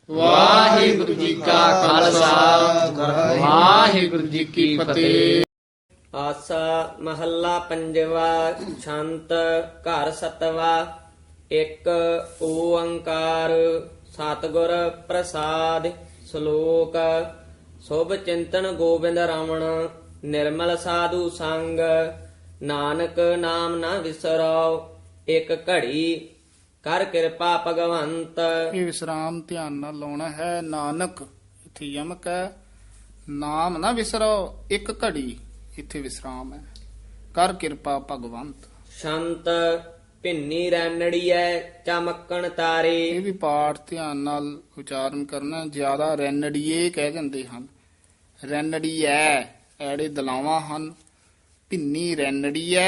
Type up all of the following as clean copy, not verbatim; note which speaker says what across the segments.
Speaker 1: ਵਾਹਿਗੁਰੂ ਜੀ ਕਾ ਖਾਲਸਾ ਵਾਹਿਗੁਰੂ ਜੀ ਕੀ ਫਤਿਹ।
Speaker 2: ਆਸਾ ਮਹੱਲਾ ਪੰਜਵਾ। ਛੰਤ ਘਰ ਸਤਵਾ। ਇੱਕ ਓੰਕਾਰ ਸਤਿਗੁਰ ਪ੍ਰਸਾਦਿ। ਸ਼ਲੋਕ। ਸੁਭ ਚਿੰਤਨ ਗੋਬਿੰਦ ਰਮਣ ਨਿਰਮਲ ਸਾਧੂ ਸੰਗ। ਨਾਨਕ ਨਾਮ ਨਾ ਵਿਸਰੋ ਇੱਕ ਘੜੀ ਕਰ ਕਿਰਪਾ ਭਗਵੰਤ।
Speaker 3: ਇਹ ਵਿਸਰਾਮ ਧਿਆਨ ਨਾਲ ਲਾਉਣਾ ਹੈ। ਨਾਨਕ ਇੱਥੇ ਯਮਕ ਹੈ। ਨਾਮ ਨਾ ਵਿਸਰੋ ਇੱਕ ਘੜੀ, ਇੱਥੇ ਵਿਸਰਾਮ ਹੈ। ਕਰ ਕਿਰਪਾ ਭਗਵੰਤ।
Speaker 2: ਸ਼ੰਤ ਭਿੰਨੀ ਰੈਣੜੀਐ ਚਮਕਣ ਤਾਰੇ।
Speaker 3: ਇਹ ਵੀ ਪਾਠ ਧਿਆਨ ਨਾਲ ਉਚਾਰਨ ਕਰਨਾ। ਜ਼ਿਆਦਾ ਰੈਨੜੀਏ ਕਹਿ ਜਾਂਦੇ ਹਨ। ਰੈਨੜੀਐ ਐੜੇ ਦਲਾਵਾਂ ਹਨ। ਭਿੰਨੀ ਰੈਨੜੀਐ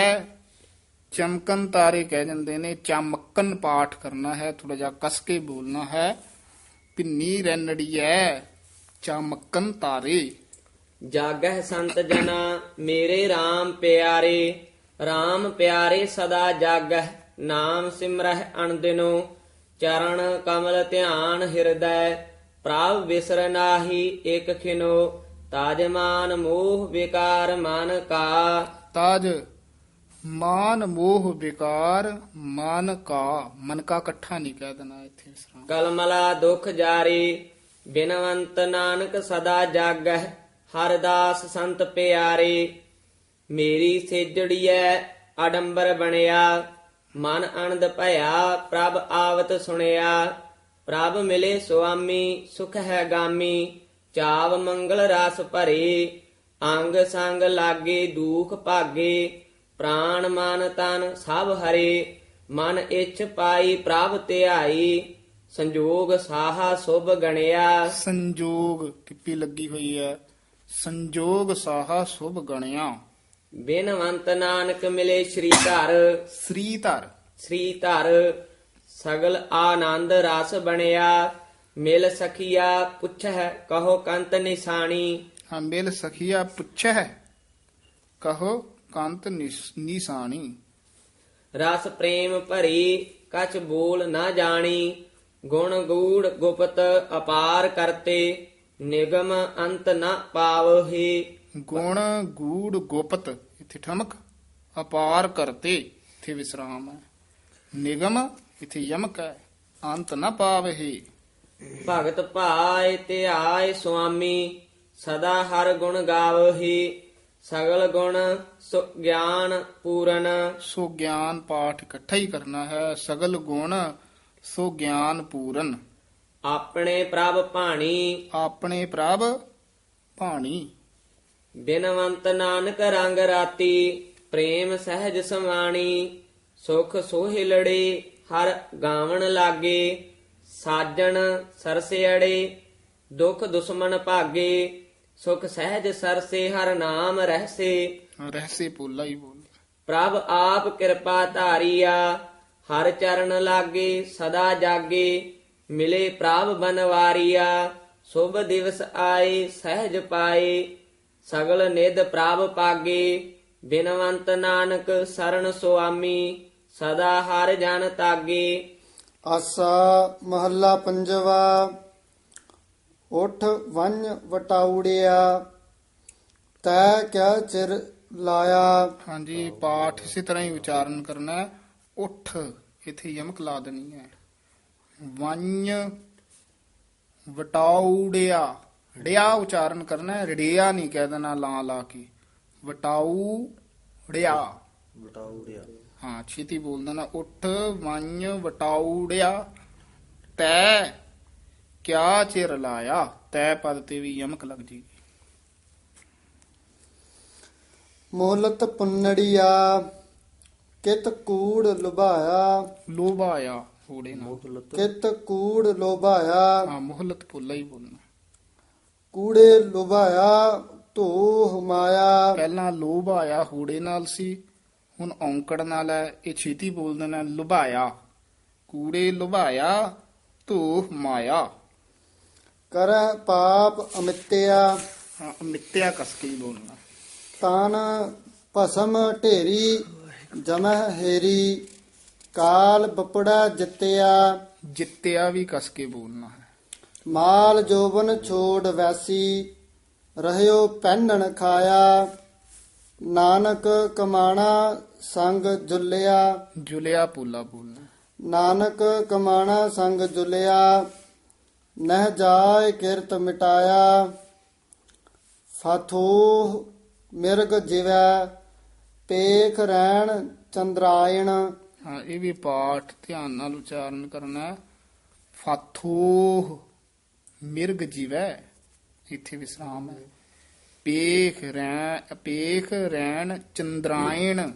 Speaker 3: ਚਮਕਨ ਤਾਰੇ ਕਹਿ ਜਾਂਦੇ ਨੇ। ਚਮਕਨ ਪਾਠ ਕਰਨਾ ਹੈ, ਥੋੜਾ ਜਿਹਾ ਕਸ ਕੇ ਬੋਲਣਾ ਹੈ। ਭਿੰਨੀ ਰੈਨੜੀਐ ਚਮਕਨ ਤਾਰੇ।
Speaker 2: ਜਾਗਹਿ ਸੰਤ ਜਨਾ ਮੇਰੇ RAM ਪਿਆਰੇ। RAM ਪਿਆਰੇ ਸਦਾ ਜਾਗਹਿ ਨਾਮ ਸਿਮਰਹਿ ਅਣਦਿਨੋ। ਚਰਨ ਕਮਲ ਧਿਆਨ ਹਿਰਦੈ ਪ੍ਰਭ ਵਿਸਰ ਨਾਹੀ ਇਕ ਖਿਨੋ। ਤਾਜਮਾਨ ਮੋਹ ਵਿਕਾਰ ਮਨ ਕਾ।
Speaker 3: ਤਾਜ ਮਾਨ ਮੋਹ ਵਿਕਾਰ ਮਨ ਕਾ ਇਕੱਠਾ ਨਹੀਂ ਕਹਿ ਦੇਣਾ ਇੱਥੇ ਵਿਸਰਾਮ।
Speaker 2: ਕਲਮਲਾ ਦੁਖ ਜਾਰੀ ਬਿਨਵੰਤ ਨਾਨਕ ਸਦਾ ਜਾਗਹਿ। ਹਰਦਾਸ ਸੰਤ ਪਿਆਰੇ ਮੇਰੀ ਸੇਜੜੀਐ ਆਡੰਬਰ ਬਣਿਆ। ਮਨ ਅਨੰਦ ਭਇਆ ਪ੍ਰਭ ਆਵਤ ਸੁਣਿਆ। ਪ੍ਰਭ ਮਿਲੇ ਸੁਆਮੀ ਸੁਖ ਹੈ ਗਾਮੀ। ਚਾਵ ਮੰਗਲ ਰਸ ਭਰੇ ਅੰਗ ਸੰਗ ਲਾਗੇ ਦੁਖ ਭਾਗੇ। ਪ੍ਰਾਣ ਮਨ ਤਨ ਸਭ ਹਰੇ ਮਨ ਇੱਛ ਪਾਈ ਪ੍ਰਭ ਧਿਆਈ। ਸੰਜੋਗ ਸਾਹਾ ਸੁਭ ਗਣਿਆ।
Speaker 3: ਸੰਜੋਗ ਟਿੱਪੀ ਲੱਗੀ ਹੋਈ ਹੈ। ਸੰਜੋਗ ਸਾਹਾ ਸੁਭ ਗਣਿਆ।
Speaker 2: ਬਿਨਵੰਤ ਨਾਨਕ ਮਿਲੇ ਸ੍ਰੀ ਧਰ।
Speaker 3: ਸ੍ਰੀ ਧਰ
Speaker 2: ਸ੍ਰੀ ਧਰ ਸਗਲ ਆਨੰਦ ਰਸ ਬਣਿਆ। ਮਿਲ ਸਖੀਆ ਪੁੱਛਹਿ ਕਹੋ ਕੰਤ ਨਿਸ਼ਾਨੀ।
Speaker 3: ਹਾਂ ਮਿਲ ਸਖੀਆ ਪੁੱਛੈ ਕਹੋ ਕੰਤ ਨਿਸ਼ਾਨੀ।
Speaker 2: ਰਸ ਪ੍ਰੇਮ ਭਰੀ ਕਛ ਬੋਲ ਨਾ ਜਾਣੀ। ਗੁਣ ਗੂੜ ਗੁਪਤ ਅਪਾਰ ਕਰਤੇ ਨਿਗਮ ਅੰਤ ਨ ਪਾਵਹੀ।
Speaker 3: ਗੁਣ ਗੂੜ ਗੁਪਤ ਇੱਥੇ ਠਮਕ। ਅਪਾਰ ਕਰਤੇ ਇੱਥੇ ਵਿਸਰਾਮ ਹੈ। ਨਿਗਮ ਇੱਥੇ ਯਮਕ ਹੈ। ਅੰਤ ਨਾ ਪਾਵਹੀ।
Speaker 2: ਭਗਤ ਭਾਇ ਧਿਆਇ ਸੁਆਮੀ ਸਦਾ ਹਰ ਗੁਣ ਗਾਵਹੀ। ਸਗਲ ਗੁਣ ਸੁ ਗਿਆਨ ਪੂਰਨ।
Speaker 3: ਸੋ ਗਿਆਨ ਪਾਠ ਇਕੱਠਾ ਹੀ ਕਰਨਾ ਹੈ। ਸਗਲ ਗੁਣ ਸੋ ਗਿਆਨ ਪੂਰਨ।
Speaker 2: ਆਪਣੇ ਪ੍ਰਭ ਭਾਣੀ
Speaker 3: ਆਪਣੇ ਪ੍ਰਭ ਭਾਣੀ।
Speaker 2: ਬਿਨਵੰਤ ਨਾਨਕ ਰੰਗ ਰਾਤੀ ਪ੍ਰੇਮ ਸਹਿਜ ਸਮਾਣੀ। ਸੁਖ ਸੋਹਿਲੜੇ ਹਰ ਗਾਵਣ ਲਾਗੇ। ਸਾਜਣ ਸਰਸਿਅੜੇ ਦੁਖ ਦੁਸ਼ਮਨ ਭਾਗੇ। ਸੁਖ ਸਹਿਜ ਸਰਸੇ ਹਰ ਨਾਮ ਰਹਿਸੇ।
Speaker 3: ਰਹਿਸੇ ਪੋਲਾ ਹੀ ਬੋਲ।
Speaker 2: ਪ੍ਰਭ ਆਪ ਕਿਰਪਾ ਧਾਰੀਆ ਹਰ ਚਰਨ ਲਾਗੇ ਸਦਾ ਜਾਗੇ। ਮਿਲੇ ਪ੍ਰਭ ਬਨਵਾਰੀਆ ਸੁਭ ਦਿਵਸ ਆਏ ਸਹਿਜ ਪਾਏ। ਸਗਲ ਨਿਧ ਪ੍ਰਭ ਪਾਗੇ ਬਿਨਵੰਤ ਨਾਨਕ ਸਰਣ ਸੁਆਮੀ। ਸਦਾ ਹਰ ਜਨ ਤਾਗੇ।
Speaker 4: ਆਸਾ ਮਹੱਲਾ ਪੰਜਵਾ। ਉਠ ਵੰਝ ਵਟਾਉੜਿਆ ਤੈ ਕਿਆ ਚਿਰ ਲਾਇਆ।
Speaker 3: ਹਾਂਜੀ ਪਾਠ ਇਸੇ ਤਰ੍ਹਾਂ ਹੀ ਉਚਾਰਨ ਕਰਨਾ ਹੈ। ਉਠ ਇੱਥੇ ਯਮਕ ਲਾ ਦੇਣੀ ਹੈ। ਵੰਝ ਵਟਾਉੜਿਆ ੜਿਆ ਉਚਾਰਨ ਕਰਨਾ ਹੈ। ਰੜਿਆ ਨਹੀਂ ਕਹਿ ਦੇਣਾ ਲਾ ਲਾ ਕੇ। ਵਟਾਉੜਿਆ ਹਾਂ ਛੇਤੀ ਬੋਲ ਦੇਣਾ। ਉਠ ਵੰਝ ਵਟਾਉੜਿਆ ਤੈ ਕਿਆ ਚਿਰ ਲਾਇਆ। ਤੈ ਪਦ ਤੇ ਵੀ ਯਮਕ ਲੱਗ ਜੀ।
Speaker 4: ਮੋਹਲਤ ਪੁੰਨੜੀਆ ਕਿਤ ਕੂੜ ਲੁਭਾਇਆ।
Speaker 3: ਲੋਭਾਇਆ ਹੋੜੇ ਨਾਲ।
Speaker 4: ਕਿਤ ਕੂੜ ਲੋਭਾਇਆ
Speaker 3: ਹਾਂ ਮੁਹਲਤ ਪੁੱਲਾ ਹੀ ਬੋਲਣਾ।
Speaker 4: ਕੂੜੇ ਲੁਭਾਇਆ ਧੋ ਹਮਾਇਆ।
Speaker 3: ਪਹਿਲਾਂ ਲੋਭਾਇਆ ਹੋੜੇ ਨਾਲ ਸੀ, ਹੁਣ ਔਂਕੜ ਨਾਲ ਹੈ। ਇਹ ਛੇਤੀ ਬੋਲ ਦੇਣਾ ਲੁਭਾਇਆ। ਕੂੜੇ ਲੁਭਾਇਆ ਧੋ ਮਾਇਆ।
Speaker 4: ਕਰੈ ਪਾਪ ਅਮਿੱਤਿਆ
Speaker 3: ਹਾਂ ਮਿੱਤਿਆ ਕਸ ਕੇ ਹੀ ਬੋਲਣਾ।
Speaker 4: ਤਾਨ ਭਸਮ ਢੇਰੀ ਜਮਹਿ ਹੇਰੀ। ਕਾਲ ਬਪੜਾ ਜਿੱਤਿਆ
Speaker 3: ਜਿੱਤਿਆ ਵੀ ਕਸ ਕੇ ਬੋਲਣਾ ਹੈ।
Speaker 4: ਮਾਲ ਜੋਬਨ ਛੋੜ ਵੈਸੀ ਰਹਿਓ ਪਹਿਨਣ ਖਾਇਆ ਨਾਨਕ ਕਮਾਣਾ ਸੰਗ ਜੁਲਿਆ
Speaker 3: ਜੁਲਿਆ ਪੂਲਾ ਬੋਲਣਾ।
Speaker 4: ਨਾਨਕ ਕਮਾਣਾ ਸੰਗ ਜੁਲਿਆ ਨਹਿ ਜਾਏ ਕਿਰਤ ਮਿਟਾਇਆ ਫਾਥੋਹ ਮਿਰਗ ਜਿਵੈ ਪੇਖ ਰਹਿਣ ਚੰਦਰਾਇਣ
Speaker 3: ਹਾਂ, ਇਹ ਵੀ ਪਾਠ ਧਿਆਨ ਨਾਲ ਉਚਾਰਨ ਕਰਨਾ ਹੈ। ਫਾਥੋਹ ਮਿਰਗ ਜੀਵੈ, ਇੱਥੇ ਵਿਸਰਾਮ ਹੈ। ਪੇਖ ਰੈਣ ਚੰਦਰਾਇਣ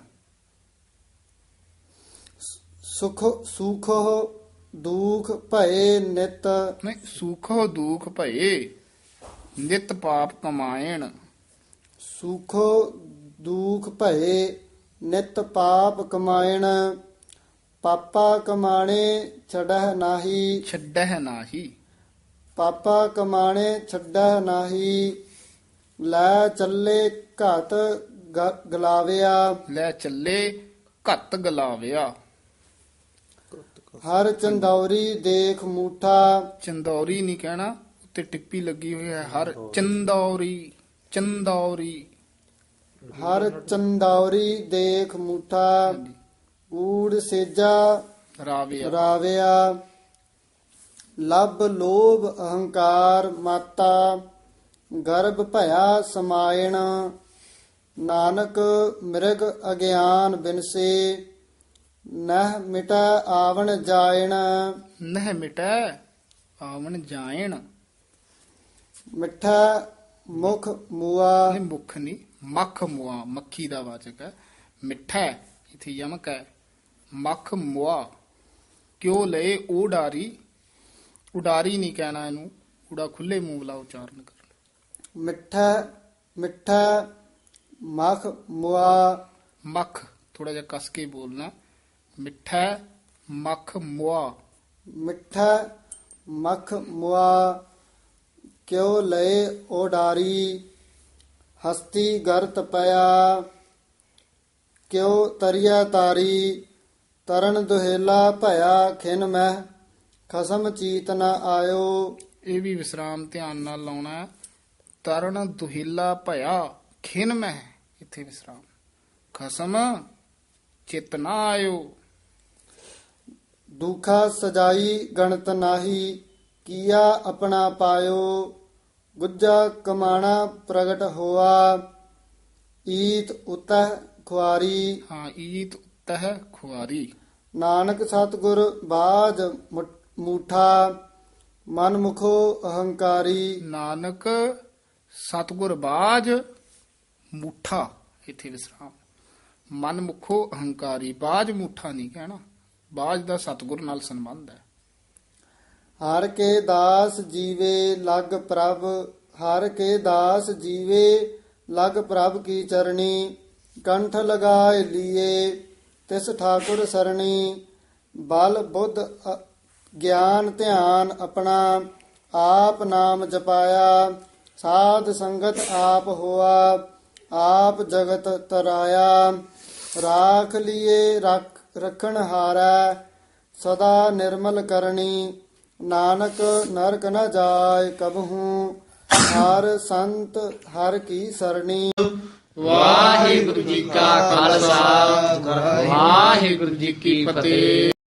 Speaker 4: ਸੁਖ ਦੁਖ ਭਏ ਨਿਤ
Speaker 3: ਨਹੀਂ, ਸੁਖੋ ਦੁਖ ਭਏ ਨਿਤ ਪਾਪ ਕਮਾਇਣ।
Speaker 4: ਸੁਖੋ ਦੁਖ ਭਏ ਨਿਤ ਪਾਪ ਕਮਾਇਣ ਪਾਪਾ ਕਮਾਣੇ ਛੜਹਿ ਨਾਹੀ
Speaker 3: ਛੱਡਹਿ ਨਾਹੀ।
Speaker 4: ਪਾਪਾ ਕਮਾਣੇ ਛੱਡਹਿ ਨਾਹੀ ਲੈ ਚੱਲੇ ਘਾਤ ਗਲਾਵਿਆ
Speaker 3: ਲੈ ਚੱਲੇ ਘੱਤ ਗਲਾਵਿਆ।
Speaker 4: ਹਰ ਚੰਦੌਰੀ ਦੇਖ ਮੂਠਾ
Speaker 3: ਚੰਦੌਰੀ ਨਹੀਂ ਕਹਿਣਾ, ਉੱਤੇ ਟਿੱਪੀ ਲੱਗੀ ਹੋਈ ਹੈ। ਹਰ ਚੰਦੌਰੀ, ਚੰਦੌਰੀ।
Speaker 4: ਹਰ ਚੰਦੌਰੀ ਦੇਖ ਮੂਠਾ ਊੜ ਸੇਜਾ
Speaker 3: ਰਾਵਿਆ।
Speaker 4: ਰਾਵਿਆ ਲੱਭ ਲੋਭ ਅਹੰਕਾਰ ਮਾਤਾ ਗਰਭ ਭਇਆ ਸਮਾਇਣ ਨਾਨਕ ਮਿਰਗ ਅਗਿਆਨ ਬਿਨਸੇ ਨਹਿ ਮਿਟੈ ਆਵਣ ਜਾਇਣ
Speaker 3: ਨਹਿ ਮਿਟੈ ਆਵਣ ਜਾਇਣ।
Speaker 4: ਮਿੱਠਾ ਮੁਖ ਮੂਆ
Speaker 3: ਨਹੀਂ, ਮੁਖ ਨਹੀਂ, ਮੱਖ ਮੁਆ, ਮੱਖੀ ਦਾ ਵਾਚਕ ਹੈ। ਮਿੱਠਾ ਇਥੇ ਯਮਕ ਹੈ। ਮੱਖ ਮੁਆ ਕਿਉ ਲਏ ਉਡਾਰੀ, ਉਡਾਰੀ ਨਹੀਂ ਕਹਿਣਾ ਇਹਨੂੰ, ਊੜਾ ਖੁੱਲੇ ਮੂੰਹ ਵਾਲਾ ਉਚਾਰਨ ਕਰਨਾ।
Speaker 4: ਮਿੱਠਾ ਮਖ ਮੁਆ
Speaker 3: ਮੱਖ ਥੋੜਾ ਜਿਹਾ ਕਸ ਕੇ ਬੋਲਣਾ। ਮਿੱਠਾ ਮੱਖ ਮੁਆ।
Speaker 4: ਮਿੱਠਾ ਮਖ ਮੁਆ ਕਿਉ ਲਏ ਓਡਾਰੀ ਹਸਤੀ ਗਰਤ ਪਿਆ ਕਿਉ ਤਰਿਆ ਤਾਰੀ ਤਰਨ ਦੁਹੇਲਾ ਭਇਆ ਖਿਨ ਮਹਿ ਖਸਮ ਚੀਤ ਨ ਆਇਓ।
Speaker 3: ਇਹ ਵੀ ਵਿਸਰਾਮ ਧਿਆਨ ਨਾਲ ਲਾਉਣਾ ਹੈ। ਤਰਨ ਦੁਹਿਲਾ ਭਇਆ ਖਿਨ ਮਹਿ, ਇੱਥੇ ਵਿਸਰਾਮ। ਖਸਮ ਚਿਤ ਨਾ ਆਇਓ।
Speaker 4: ਦੁਖਾ ਸਜਾਈ ਗਣਤ ਨਾਹੀ ਕੀਆ ਆਪਣਾ ਪਾਇਓ ਗੁੱਜਾ ਕਮਾਣਾ ਪ੍ਰਗਟ ਹੋਆ ਈਤ ਉਤਹ ਖੁਆਰੀ।
Speaker 3: ਹਾਂ, ਈਤ ਉਤਹ ਖੁਆਰੀ।
Speaker 4: ਨਾਨਕ ਸਤਿਗੁਰ ਬਾਜ ਮੂਠਾ ਮਨ ਮੁਖੋ ਅਹੰਕਾਰੀ।
Speaker 3: ਨਾਨਕ ਸਤਿਗੁਰ ਬਾਜ ਮੂਠਾ, ਇੱਥੇ ਵਿਸਰਾਮ। ਮਨ ਮੁਖੋ ਅਹੰਕਾਰੀ, ਬਾਜ ਮੂਠਾ ਨਹੀਂ ਕਹਿਣਾ। ਬਾਜ ਦਾ ਸਤਿਗੁਰ ਨਾਲ ਸੰਬੰਧ ਹੈ।
Speaker 4: ਹਰ ਕੇ ਦਾਸ ਜੀਵੇ ਲਗ ਪ੍ਰਭ ਹਰ ਕੇ ਦਾਸ ਜੀਵੇ ਲਗ ਪ੍ਰਭ ਕੀ ਚਰਣੀ ਕੰਠ ਲਗਾਏ ਲੀਏ ਤਿਸ ਠਾਕੁਰ ਸਰਣੀ ਬਲ ਬੁੱਧ ਗਿਆਨ ਧਿਆਨ ਆਪਣਾ ਆਪ ਨਾਮ ਜਪਾਇਆ ਸਾਧ ਸੰਗਤ ਆਪ ਹੋਆ ਆਪ ਜਗਤ ਤਰਾਇਆ ਰਾਖ ਲੀਏ ਰਖਣ ਹਾਰੈ ਸਦਾ ਨਿਰਮਲ ਕਰਨੀ ਨਾਨਕ ਨਰਕ ਨ ਜਾਏ ਕਬਹੂ ਹਰ ਸੰਤ ਹਰ ਕੀ ਸਰਣੀ।
Speaker 1: ਵਾਹਿਗੁਰੂ ਜੀ ਕਾ ਖਾਲਸਾ ਵਾਹਿਗੁਰੂ ਜੀ ਕੀ ਫਤਿਹ।